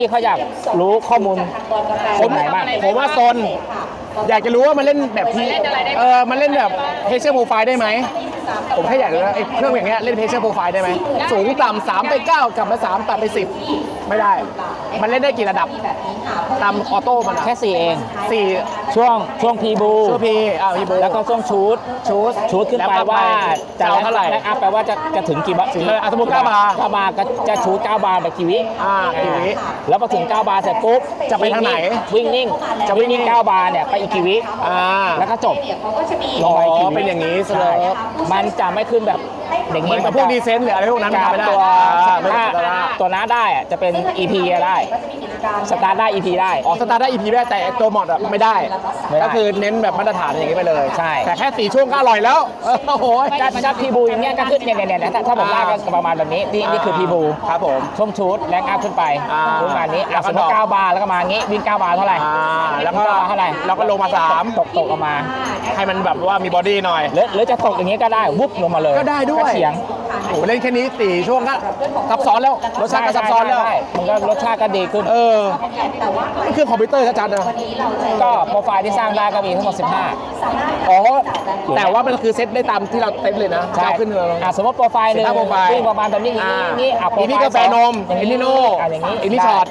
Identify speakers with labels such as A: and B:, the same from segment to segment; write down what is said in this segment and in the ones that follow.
A: ที่เขาอยากรู้ข้อมูลคนไหนบ้าง
B: ผมว่าโซนอยากจะรู้ว่ามันเล่นแบบที่มันเล่นแบบเพเชอร์โปรไฟล์ได้ไหมผมแค่อยากรู้ว่าเครื่องอย่างเงี้ยเล่นเพเชอร์โปรไฟล์ได้ไหมสูงต่ำ3 ไป 9กลับมา3ตัดไป10ไม่ได้มันเล่นได้กี่ระดับตามออโต้มัน
A: แค่4เอง
B: 4
A: ช่วงพีบู
B: ช่วงพีบู
A: แล้วก็ช่วงชูดขึ้นไปว่าจะ
B: เท่าไหร่
A: แลกอัพแปลว่าจะถึงกี่บาท
B: สมมติ9 บาร์
A: ก็จะชูด9 บาร์แบบกี่วิแล้วพอถึง9 บาร์เสร็จปุ๊บ
B: จะไปทางไหน
A: วิ่งนิ่งจะวิ่งนิ่ง9 บาร์เนี่ยไปอีกกี่วิแล้วก็จบ
B: ลงไปกี่เป็นอย่างนี้เลย
A: มันจะไม่ขึ้นแบบอย่างนี้
B: กับพวกดีเซนต์หรืออะไรพวกนั้นไม่ได้
A: ตัวน้าได้จะเป็น EP ได้สตาร์ได้ EP ได้
B: สตาร์ได้ EP ได้แต่ตัวมอดไม่ได้ก็คือเน้นแบบมาตรฐานอย่างนี้ไปเลย
A: ใช่
B: แต่แค่4 ช่วงก็อร่อยแล้วโอ้โห
A: จะพีบูอย่างเงี้ยก็ขึ้นเนี่ยถ้าผมลากก็ประมาณแบบนี้นี่คือพีบู
B: ครับผม
A: ช่วงชูดแรงอัพขึ้นไปประมาณนี้สมมติ9 บาร์แล้วก็มางี้วิ่ง9 บาร์เท่าไหร่
B: แล้วก็
A: เท่าไหร่
B: แล้วก็ลงมา3
A: ตกออกมา
B: ให้มันแบบว่ามีบอดี้หน่อย
A: หรือจะตกอย่างงี้ก็ได้วุบลงมาเลย
B: ก็ได้ด้วย
A: เฉียง
B: โอ้เล่นแค่นี้4 ช่วงก็ซับซ้อนแล้วรสชาติก็ซับซ้อนแล้ว
A: มันก็รสชาติก็ดีขึ้น
B: มันคือคอมพิวเตอร์ชัดๆนะ
A: ก็โปรไฟล์ที่สร้างได้ก็มีทั้งหมด15
B: แต่ว่ามันคือเซตได้ตามที่เราเซตเลยนะ
A: ก้าว
B: ขึ้นเลย
A: สมมติโปรไฟล์หนึ่งที่ประมาณแบบนี้
B: นี่กาแฟนมอินนิโน่อินนิช็อต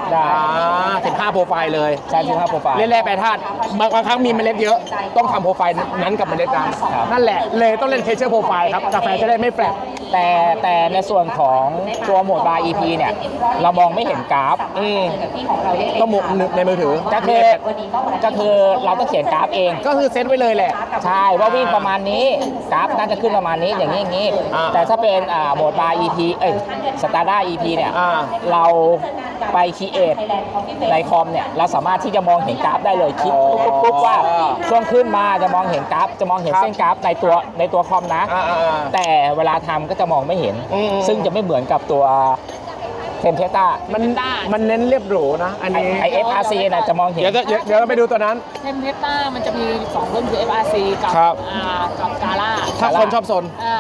B: 15 โปรไฟล์เลย
A: ใช่15 โปรไฟล์
B: เล่นแร่แปรธาตุบางครั้งมีเมล็ดเยอะต้องทำโปรไฟล์นั้นกับเมล็ดนั้นนั่นแหละเลยต้องเล่นเพเชอร์โปรไฟล์ครับกาแฟจะได้ไม่แปลก
A: แต่ในส่วนของตัวโหมดบาร์ EP เนี่ยเรามองไม่เห็นกราฟ
B: ต้องในมือถือ
A: ก็คือเราต้องเขียนกราฟเอง
B: ก็คือเซตไว้เลยแหละ
A: ใช่ว่าวิ่งประมาณนี้กราฟน่าจะขึ้นประมาณนี้อย่างนี้แต่ถ้าเป็นโหมดบาร์ EP สตาร์ด้า EP เนี่ยเราไปคีเอทในคอมเนี่ยเราสามารถที่จะมองเห็นกราฟได้เลยคลิกปุ๊บว่าช่วงขึ้นมาจะมองเห็นกราฟจะมองเห็นเส้นกราฟในตัวคอมนะแต่เวลาทำก็จะมองไม่เห็นซึ่งจะไม่เหมือนกับตัวเทมเพต้า
B: มันเน้นเรียบหรูนะอันนี้
A: FRC นะจะมองเห็น
B: เดี๋ยวเราไปดูตัวนั้น
C: เทมเพต้ามันจะมี2รุ่นคือ FRC กับกาล่า
B: ถ้าคนชอบโซน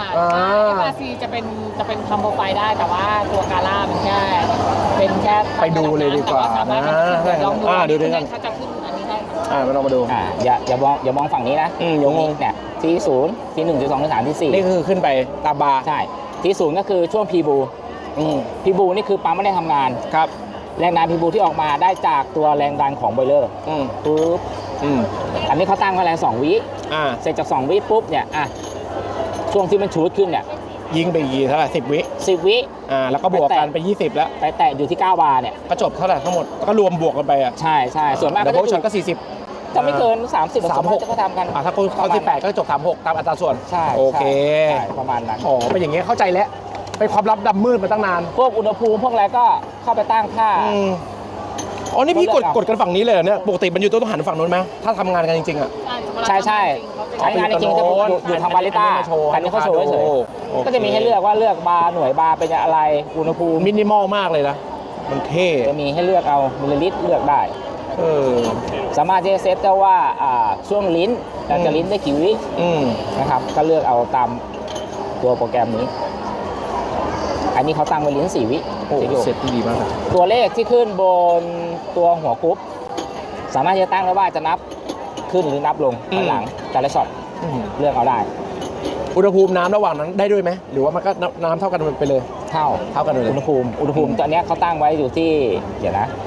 C: FRC จะเป็นทำโปรไฟล์ได้แต่ว่าตัวกาล่ามันแค่
B: ไปดูเลยดีกว่า
C: ลอง
B: ดูด้วยกัน
C: เขาจะขึ้นอันนี้ได้
B: มาลองมาดู
A: อย่ามองฝั่งนี้นะ
B: อย่างง
A: เนี่ยที่0ที่1ที่2ที่3ที่4
B: นี่คือขึ้นไปตามบาร์
A: ใช่ที่0ก็คือช่วงพีบูนี่คือปั๊มไม่ได้ทำงาน
B: ครับ
A: แรงดันพีบูที่ออกมาได้จากตัวแรงดันของบอยเลอร์ปุ๊บอันนี้เขาตั้งไว้แรง2 วิเสร็จจาก2 วิปุ๊บเนี่ยช่วงที่มันชูดขึ้นเนี่ย
B: ยิงไปกี่เท่าไหร่10 วิแล้วก็บวกกันไป20แล้ว
A: ไปแตะอยู่ที่9 บาร์เนี่ย
B: ก็จบเท่าไหร่ทั้งหมดก็รวมบวกกันไป
A: ใช่ส่วนมาก
B: ก็โพชั่นก็40
A: จะไม่เกิน30 36จะก็ทำกัน
B: ถ้าเขา18ก็จบ36ตามอัตราส่วน
A: ใช่
B: โอเค
A: ประมาณนั้น
B: เป็นอย่างเงี้ยเข้าใจแล้วเป็นความลับดำมืดมาตั้งนาน
A: พวกอุณหภูมิพวกอะไรก็เข้าไปตั้งค่า
B: นี่พี่กดกันฝั่งนี้เลยเนี่ยปกติมันอยู่ต้องหันฝั่งนู้นไหมถ้าทำงานกันจริง
A: ใช่ใช้งานจริงๆจะอยู่ทางบาริต้าแต่นี่เขาโชว์เฉยๆก็จะมีให้เลือกว่าเลือกบาร์หน่วยบาร์เป็นอะไรอุณหภูมิ
B: มินิมอลมากเลยนะมันเท่
A: จะมีให้เลือกเอามิลลิลิตรเลือกได้สามารถจะเซตได้ว่าช่วงลิ้นจะลิ้นได้กี่วินะครับก็เลือกเอาตามตัวโปรแกรมนี้อันนี้เขาตั้งไว้ลิ้น4 วิ
B: เสร็จดีมาก
A: ตัวเลขที่ขึ้นบนตัวหัวกรุ๊ปสามารถจะตั้งได้ว่าจะนับขึ้นหรือนับลงถอยหลังแต่ละช็อตเลือกเอาได้
B: อุณหภูมิน้ำระหว่างนั้นได้ด้วยไหมหรือว่ามันก็น้ำเท่ากันไปเลย
A: เท่ากันเลยอุณหภูมิตอนนี้เขาตั้งไว้อยู่ที่เดี๋ยวนะ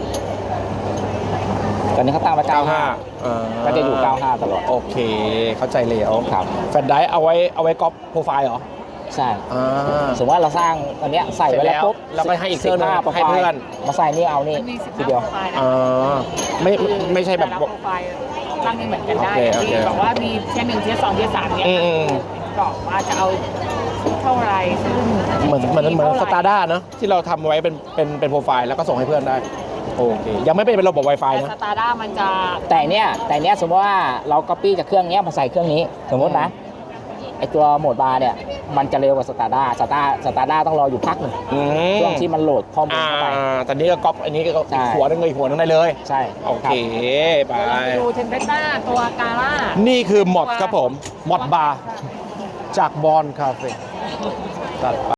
A: ตอนนี้เขาตั้งไว้95ก็จะอยู่95ตลอด
B: โอเคเข้าใจเลยครับแฟลชไดร์เอาไว้ก๊อปโปรไฟล์เหรอ
A: ใช่สมมติว่าเราสร้างตอนนี้ใส่ไว้แล้วปุ๊บ
B: แล้วก็ให้อีกเครื่องนึงให้เพื่อน
A: มาใส่นี่เอานี่ทีเดียว
B: ไม่ใช่แบบ
C: โปรไฟล์ตั้งนี่เหมือนกันได้บอกว่ามีเทียร์1เทียร์2เทียร์3เนี่ยบอกว่าจะเอาเท่าไรซึ่ง
B: เหมือนสตาร์ด้าเนาะที่เราทำไว้เป็นโปรไฟล์แล้วก็ส่งให้เพื่อนได้โอเคยังไม่เป็นระบบ Wi-Fi นะ
C: สตาร์ด้ามันจะ
A: แต่เนี้ยสมมติว่าเราก๊อปปี้จากเครื่องนี้มาใส่เครื่องนี้สมมตินะไอตัวโหมดบาร์เนี่ยมันจะเร็วกว่าสตาร์ด้าต้องรออยู่พักหนึ่งช่วงที่มันโหลดข้อมูลเข้าไป
B: ตอนนี้ก็ก๊อปอันนี้ก็หัวนึงเลยหัวนึงได้เลย
A: ใช่
B: โอเคไป
C: ดูเทมเพต้าตัวกาล่า
B: นี่คือมอดครับผมมอดบาร์จากบอลคาเฟ่ตัด